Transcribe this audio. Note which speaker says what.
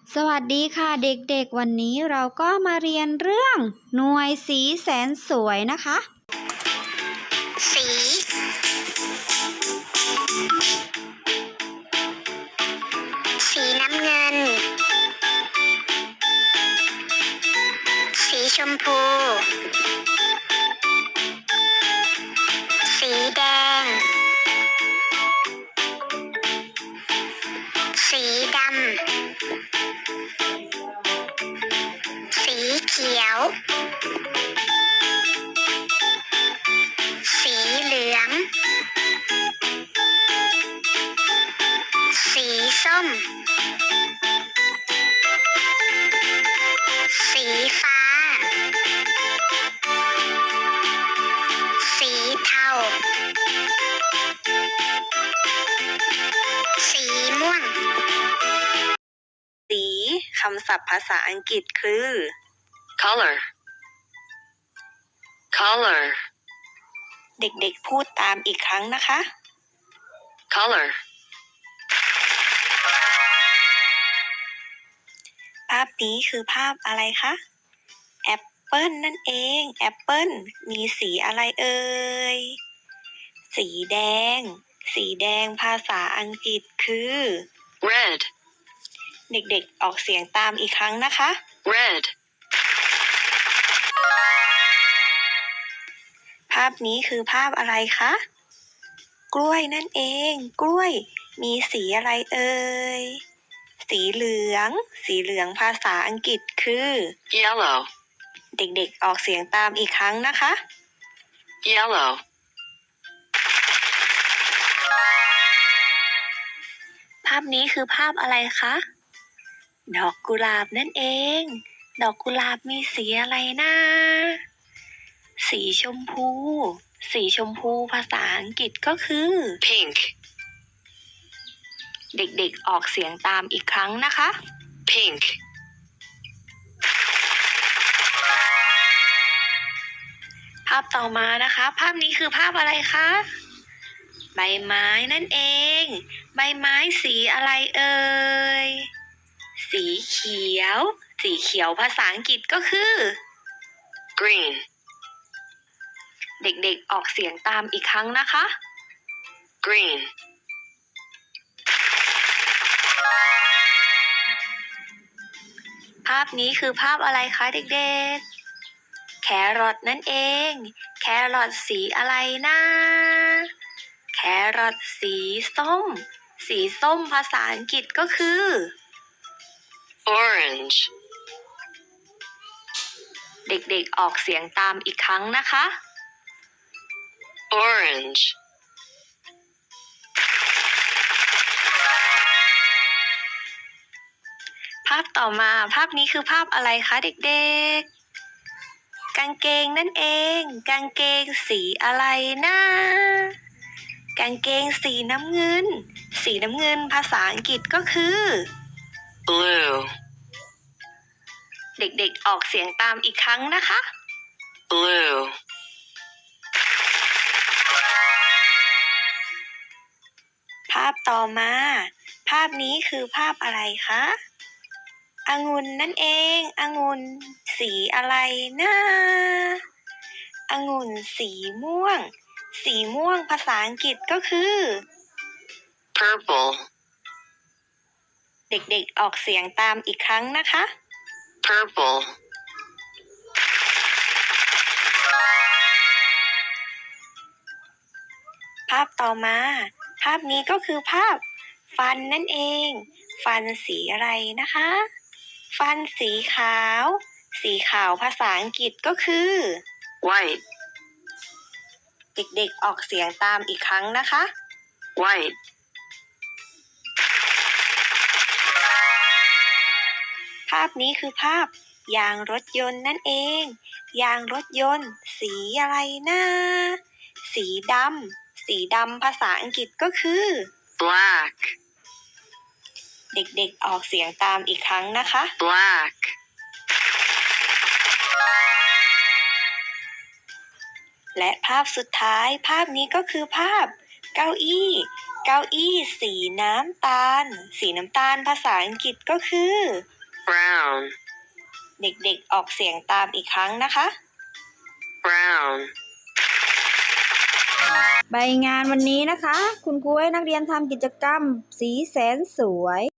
Speaker 1: สวัสดีค่ะเด็กๆวันนี้เราก็มาเรียนเรื่องหน่วยสีแสนสวยนะคะ
Speaker 2: สีน้ำเงินสีชมพูสีแดงสีดำสีเขียวสีเหลืองสีส้มสีฟ้าสีเทาสีม่วง
Speaker 1: สีคำศัพท์ภาษาอังกฤษคือ
Speaker 3: color
Speaker 1: เด็กๆพูดตามอีกครั้งนะคะ
Speaker 3: color
Speaker 1: ภาพนี้คือภาพอะไรคะแอปเปิลนั่นเองแอปเปิลมีสีอะไรเอ่ยสีแดงภาษาอังกฤษคือ
Speaker 3: red
Speaker 1: เด็กๆออกเสียงตามอีกครั้งนะคะ
Speaker 3: red
Speaker 1: ภาพนี้คือภาพอะไรคะกล้วยนั่นเองกล้วยมีสีอะไรเอ่ยสีเหลืองภาษาอังกฤษคือ
Speaker 3: yellow
Speaker 1: เด็กๆออกเสียงตามอีกครั้งนะคะ
Speaker 3: yellow
Speaker 1: ภาพนี้คือภาพอะไรคะดอกกุหลาบนั่นเองดอกกุหลาบมีสีอะไรนะสีชมพูภาษาอังกฤษก็คือ
Speaker 3: pink
Speaker 1: เด็กๆออกเสียงตามอีกครั้งนะคะ
Speaker 3: pink
Speaker 1: ภาพต่อมานะคะภาพนี้คือภาพอะไรคะใบไม้นั่นเองใบไม้สีอะไรเอ่ยสีเขียวภาษาอังกฤษก็คือ
Speaker 3: green
Speaker 1: เด็กๆออกเสียงตามอีกครั้งนะคะ
Speaker 3: green
Speaker 1: ภาพนี้คือภาพอะไรคะเด็กๆแครอทนั่นเองแครอทสีอะไรนะแครอทสีส้มภาษาอังกฤษก็คือ
Speaker 3: orange
Speaker 1: เด็กๆออกเสียงตามอีกครั้งนะคะ
Speaker 3: orange
Speaker 1: ภาพต่อมาภาพนี้คือภาพอะไรคะเด็กๆกางเกงนั่นเองกางเกงสีอะไรนะกางเกงสีน้ำเงินภาษาอังกฤษก็คือ
Speaker 3: blue
Speaker 1: เด็กๆออกเสียงตามอีกครั้งนะคะ
Speaker 3: blue
Speaker 1: ภาพต่อมาภาพนี้คือภาพอะไรคะองุ่นนั่นเององุ่นสีอะไรนะองุ่นสีม่วงภาษาอังกฤษก็คือ
Speaker 3: purple
Speaker 1: เด็กๆออกเสียงตามอีกครั้งนะคะ
Speaker 3: purple
Speaker 1: ภาพต่อมาภาพนี้ก็คือภาพฟันนั่นเองฟันสีอะไรนะคะฟันสีขาวภาษาอังกฤษก็คือ
Speaker 3: white
Speaker 1: เด็กๆออกเสียงตามอีกครั้งนะคะ
Speaker 3: white
Speaker 1: ภาพนี้คือภาพยางรถยนต์นั่นเองยางรถยนต์สีอะไรนะสีดำภาษาอังกฤษก็คือ
Speaker 3: black
Speaker 1: เด็กๆออกเสียงตามอีกครั้งนะคะ
Speaker 3: black
Speaker 1: และภาพสุดท้ายภาพนี้ก็คือภาพเก้าอี้สีน้ำตาลภาษาอังกฤษก็คือ
Speaker 3: brown,
Speaker 1: เด็กๆออกเสียงตามอีกครั้งนะคะ
Speaker 3: brown,
Speaker 4: ใบงานวันนี้นะคะ คุณครูให้นักเรียนทำกิจกรรมสีแสนสวย